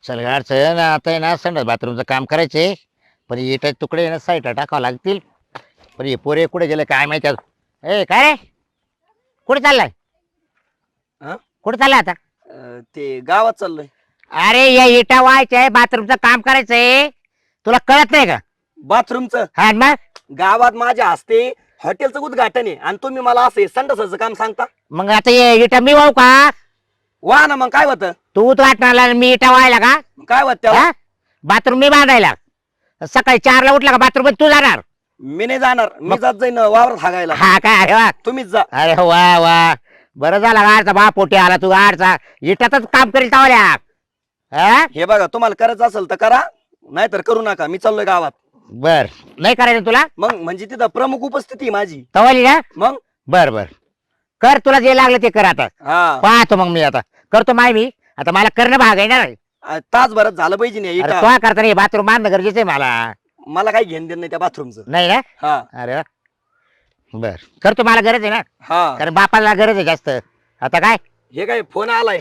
चल अडचण आता आहे ना संडास बाथरूमचं काम करायचे. पण इटा तुकडे ना साईडला टाकावं लागतील. पण हे पोरे कुठे गेले काय माहिती आज. ए काय रे कुठे चाललाय? हा? कुठे चाललाय आता? ते गावात चाललोय. अरे या इटा व्हायचंय बाथरूमचं काम करायचंय. तुला कळत नाही का? बाथरूमचं हा मग गावात माझ्या हस्ते हॉटेलचं उद्घाटन आहे आणि तुम्ही मला असं संडासाचं काम सांगता. मग आता ये इटा मी वाहू का? वा ना, मग काय होतं? तू वाटणार मी इटा व्हायला का? काय होत त्याला? बाथरूम मी बांधायला. सकाळी 4ला उठला का बाथरूम तू जाणार? मी नाही जाणार, मी जात जाईन वावरात हागायला. हा काय अरे वा. तुम्हीच जा. अरे वा वा बरं झालं गाडचा बा पोटी आला तू गाडचा इटातच काम करील तावल्या. हा हे बघा, तुम्हाला करायचं असेल तर करा, नाहीतर करू नका. मी चाललोय गावात. बर नाही करायचं तुला? मग म्हणजे तिथं प्रमुख उपस्थिती आहे माझी. तवाली ना? मग बर बर कर तुला जे लागलं ते कर आता. हा, पाहतो मग मी आता करतो मी आता मला करणं भाग आहे ना रे. तासभरात झालं पाहिजे नाही अरे इटा. तो करता नाही बाथरूम बांधणं गरजेचं आहे मला. मला काही घेणं देणं नाही त्या बाथरूमचं. नाही ना? हा अरे वा. बर करतो मला गरज आहे ना हा. कारण बापाला गरज आहे जास्त. आता काय हे काय फोन आलाय?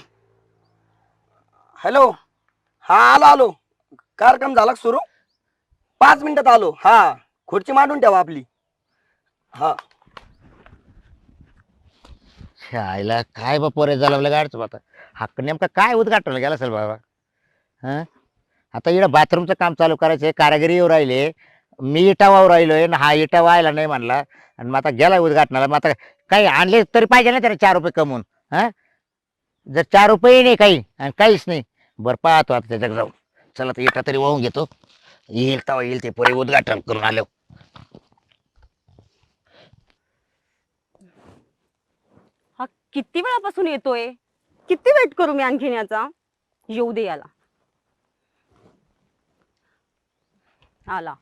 हॅलो. हा, आलो आलो. कार्यक्रम झाला सुरू? 5 मिनिटात आलो. हा, खुर्ची मांडून ठेवा आपली. हा. आईला काय बा पोरे झालं गाडचं आता. हक्क नेमका काय उद्घाटन गेला असेल बाबा. हा आता इकडं बाथरूमचं काम चालू करायचंय. कारागिरी येऊ राहिले. मी इटा वाहू राहिलोय आणि हा इटा व्हायला नाही म्हणला. आणि मग आता गेला उद्घाटनाला. मग आता काही आणले तरी पाहिजे ना त्याला 4 रुपये कमवून. हा जर 4 रुपये नाही काही आणि काहीच नाही. बरं पाहतो आता त्याच्याकडे जाऊ. चला तर इटा तरी वाहून घेतो. येईल तेव्हा येईल ते पोरे उद्घाटन करून आलो. हा किती वेळापासून येतोय? किती वेट करू मी आणखीन याचा? येऊ दे याला. आला.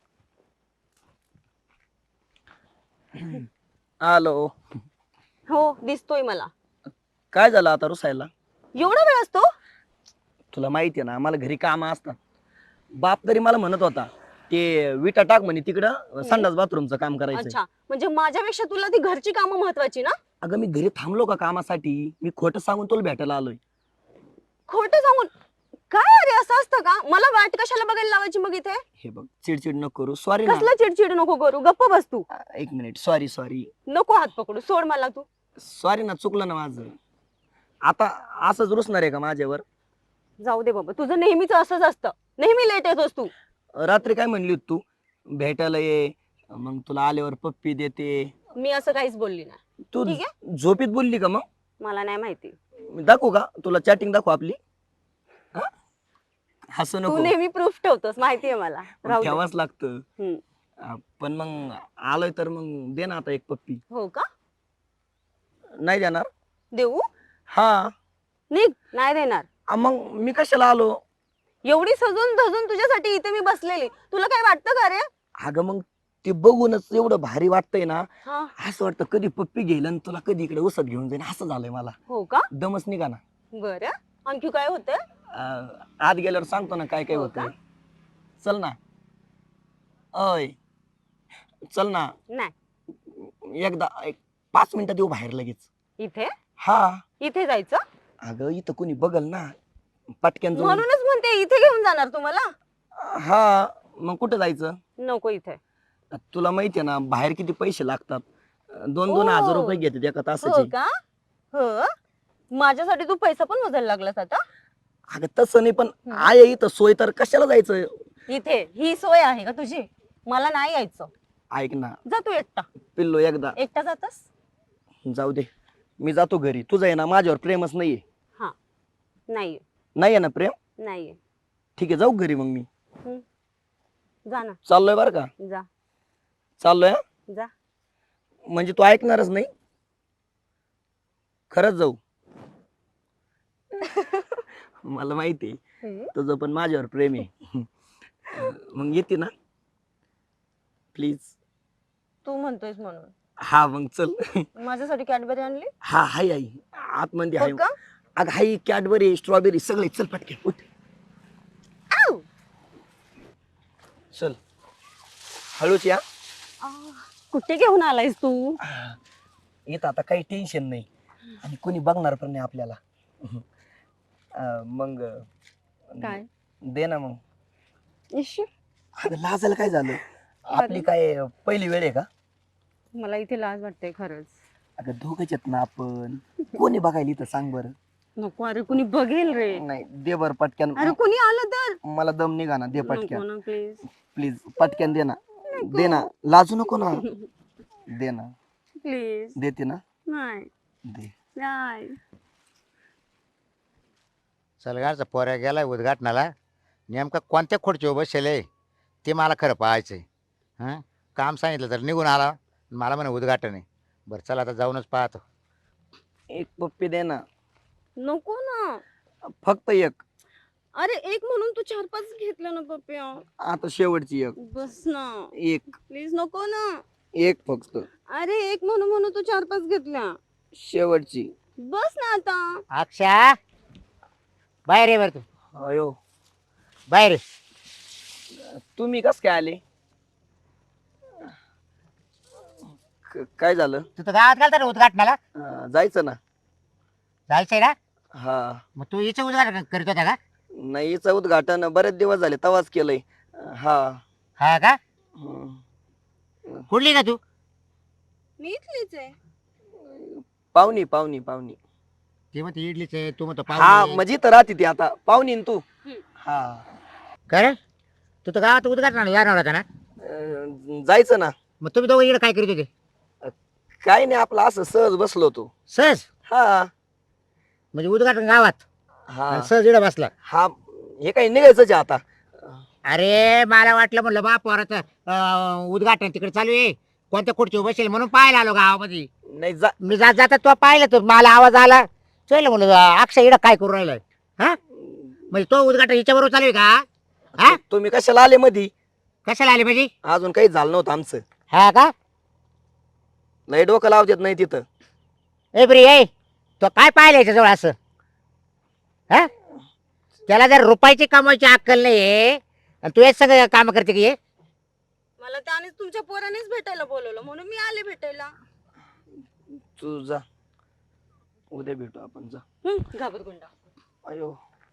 आलो. हो दिसतोय मला. काय झालं आता रुसायला? एवढा वेळ असतो? तुला माहितीये ना, मला घरी काम असतात. बाप तरी मला म्हणत होता ते विटा टाक म्हणे तिकडं संडास बाथरूमचं काम करायचं. अच्छा, म्हणजे माझ्यापेक्षा तुला ती घरची कामं महत्वाची ना? अगं मी घरी थांबलो का कामासाठी? मी खोटं सांगून तुला भेटायला आलोय. खोटं सांगून? काय अरे असं असतं का? मला वाट कशाला बघायला लावायची मग इथे? हे बघ, चिडचिड नको करू. सॉरी ना. कसला चिडचिड नको करू, गप्प बस तू. एक मिनिट. सॉरी सॉरी नको हात पकडू, सोड मला तू. सॉरी ना, चुकलं ना माझं. आता असंच रुसणार आहे का माझ्यावर? जाऊ दे बाबा, तुझं नेहमीच असंच असतं. नेहमी लेट येतोस तू. रात्री काय म्हणली होती तू? भेटायला ये, मग तुला आल्यावर पप्पी देते. मी असं काहीच बोलली नाही. तू ठीक झोपीत बोलली का? मग मला नाही माहिती. मी दाखवू का तुला? चॅटिंग दाखवू आपली? हा? हसू तू नको. नेहमी प्रूफ ठेवतोस, माहितीये मला. राहू दे. ठेवाच लागतं. हम्म. पण मग आलोय तर मग दे ना आता एक पप्पी. हो का? नाही देणार? देऊ? हा. निघ, नाही देणार. मग मी कशाला आलो? एवढी सजून धजून तुझ्यासाठी इथे मी बसलेली, तुला काय वाटतं का रे? अगं मग ते बघूनच एवढं भारी वाटतंय ना. हा. असं वाटतं कधी पप्पी घेईल आणि तुला कधी इकडे उसत घेऊन जाईन, असं झालंय मला. हो का? दमच निघा ना. बरं, आणखी काय होतंय? आत गेल्यावर सांगतो ना काय काय हो होतं. का? चल ना. अय चल ना. नाही. एकदा 5 मिनिटात येऊ बाहेर लगेच. इथे? हा. इथे जायचं? अगं इथं कोणी बघल ना, पटक्यान जाऊन. म्हणूनच म्हणते इथे घेऊन जाणार तुम्हाला. हा. मग कुठं जायचं? नको इथे. तुला माहितीये ना बाहेर किती पैसे लागतात. 2-2 हजार रुपये घेतात एका हो तासाचे. का? हो. माझ्यासाठी तू पैसा पण मोजायला लागलास आता? अगं तसं नाही, पण आहे इथं सोय, तर कशाला जायचं? इथे ही सोय आहे का तुझी? मला नाही यायचं. ऐक ना जा तू एकटा. पिल्लो, एकदा एकटा जातस? जाऊ दे, मी जातो घरी. तुझं आहे ना माझ्यावर प्रेमच नाहीये. हा. नाहीये. नाहीये ना प्रेम? नाहीये. ठीक आहे, जाऊ घरी मग मी. जा ना. चाललोय बर का? जा. चाललोय हा? जा. म्हणजे तू ऐकणारच नाही? खरंच जाऊ? मला माहिती आहे तुझं पण माझ्यावर प्रेम आहे. मग येते ना प्लीज? तू म्हणतोयस म्हणून. हा मग चल. माझ्यासाठी कॅडबरी आणली? हा हाय आई आतमध्ये आहे. हो का? अगं हाय, कॅडबरी स्ट्रॉबेरी सगळे. चल पटके उठ. आऊ! चल हळूच या. कुठे घेऊन आलायस तू? येत आता काही टेन्शन नाही आणि कोणी बघणार पण नाही आपल्याला. मग काय? दे ना मग. इश्श, अगं लाजायला काय झालं? आपली काय पहिली वेळ आहे का? मला इथे लाज वाटते खरंच. अगं दोघंच आहेत ना आपण. कोणी बघायला इथं सांग बरं. नको, अरे कुणी बघेल रे. नाही दे बर पटक्यान. अरे कुणी आलं तर. मला दम निघा ना, दे नको पटक्यान ना प्लीज. प्लीज. पटक्यान दे ना. दे ना, लाजू नको ना. दे ना. प्लीज. देते ना. नाही दे. नाही. सलगारचा पोऱ्या गेलाय उद्घाटनाला. नेमका कोणत्या खुर्चीवर बसेल ते मला खरं पाहायचंय. हां, काम सांगितलं तर निघून आला. मला म्हणे उद्घाटन आहे. बरं चला आता जाऊनच पाहतो. एक पप्पी दे ना, नको ना. फक्त एक. अरे एक म्हणून तू 4-5 घेतलं ना पप्या. आता शेवटची एक. बस ना एक प्लीज. नको ना. एक फक्त अरे एक म्हणून तू 4-5 घेतल्या. शेवटची. बस ना आता. अक्षा बाहेर ये बरं तू. अयो, बाहेर ये. तुम्ही कस काय आले? काय झालं? तू तर गावात घालता ना उद्घाटनाला. जायचं ना. जायचंय ना. हा. मग तू हिचं उद्घाटन करीत होता का? नाही, हिचं उद्घाटन बरेच दिवस झाले तवाच केलंय. हा. हा का? हम्म. कुठली का तू? मी इथलीच आहे. पाहुणी पाहुणी पाहुणी. ती म्हणते इडलीच आहे, तू म्हणतो हा पाव. म्हणजे तर राहते ती आता पाहुणी न तू. हम्म. हा. कर तू तर गावात उद्घाटनाला जाणार होता ना. जायचं ना. मग तुम्ही दोघं इकडे काय करीत होते? काय नाही, आपलं असं सहज बसलो होतो. सहज हा. म्हणजे उद्घाटन गावात हा. आणि सहज इकडे बसला. हा, हे काही निघायचंच आहे आता. अरे मला वाटलं म्हणलं बा पोराचं उद्घाटन तिकडे चालू आहे, कोणत्या खुर्चीवर बसेल म्हणून पाहायला आलो गावामध्ये. नाही जा. मी जात जाता तो पाहिलं तर मला आवाज आला. चल म्हणलं अक्षय इकडं काय करू राहिलाय. हा म्हणजे तो उद्घाटन हिच्याबरोबर चालू आहे का? हा तुम्ही कशाला आले मधी? कशाला आले म्हणजे? अजून काही झालं नव्हतं आमचं. हा का? लय डोकं लावत येत नाही तिथं. ए ब्री ए तो काय पाहिलं याच्याजवळ असं? हा त्याला जर रुपयाची कमायची अक्कल नाही आणि तू हेच सगळं काम करते की हे? मला त्यानेच तुमच्या पोरानेच भेटायला बोलवलं म्हणून मी आले भेटायला. तू जा, उद्या भेटू आपण. जा. घाबरगुंडा. अयो,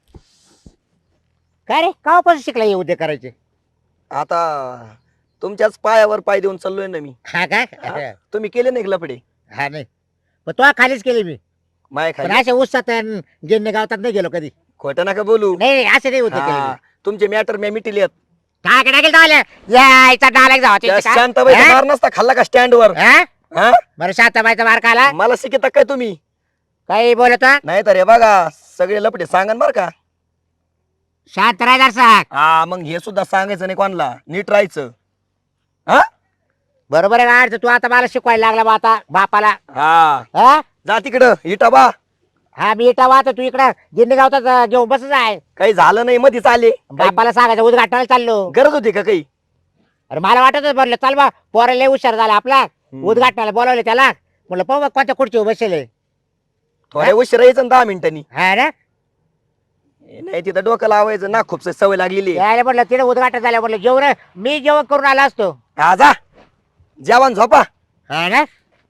काय रे कावापासून शिकला हे उद्योग करायचे? आता तुमच्याच पायावर पाय देऊन चाललोय ना मी. हा काय? हा? तुम्ही केले नाही लपडे हा नाही पण तो खालीच केली मी. माय पण खाली. अशा उत्सात गिन्ने गावतात नाही गेलो कधी. खोटं नका बोलू. नाही असे नाही होते हा, तुमचे मॅटर मी मिटिलेत. काय टाकेल तो यायचा डायलेक्ट जावा शांताबाई मार नसता खाल्ला का स्टँड वर? हा? बरं शांताबाईचा मार खाला. मला शिकता काय तुम्ही? काही बोलत नाही तर हे बघा सगळे लपडे सांगा बर का. शांत राहणार सांग. हा, मग हे सुद्धा सांगायचं नाही कोणाला, नीट राहायचं. हा. बरोबर आहे गाड तू आता मला शिकवायला लागला बा आता बापाला. हा, हा जा तिकडं इटा बा. हा मी इटा वाहतो तू इकडं गिन्ने गावतात घेऊन बसच आहे. काही झालं नाही मधीच आले. काही बापाला सांगायचं उद्घाटनाला चाललो. गरज होती का काही? अरे मला वाटत भरलं चाल बा पोराला लय हुशार झाला आपला. उद्घाटनाला बोलावले त्याला म्हणलं पाहू बा कोणत्या खुर्चीवर बसेल. थोड्या उशीर यायचं ना 10 मिनिटांनी. हा ना नाही तिथं डोकं लावायचं ना, खूप सवय लागलेली आहे. यायला म्हटलं तिथे उद्घाटन झालं म्हटलं जेवण मी जेवण करून आला असतो. हा, जा जेवण झोपा. हा ना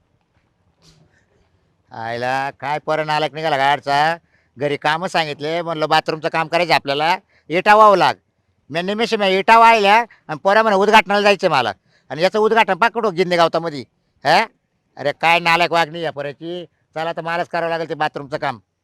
आयला काय पोरण आला निघाला गाडचा. घरी कामं सांगितले म्हणलं बाथरूमचं काम करायचं आपल्याला. इटा वाहू लाग. मी निमेष मी इटा वाहिल्या आणि पोरा म्हणे उद्घाटनाला जायचं मला. आणि याचं उद्घाटन पाकडो गिन्ने गावतामध्ये. हा अरे काय नालायक वागणी या पोराची. चला तर मलाच करावं लागेल ते बाथरूमचं काम.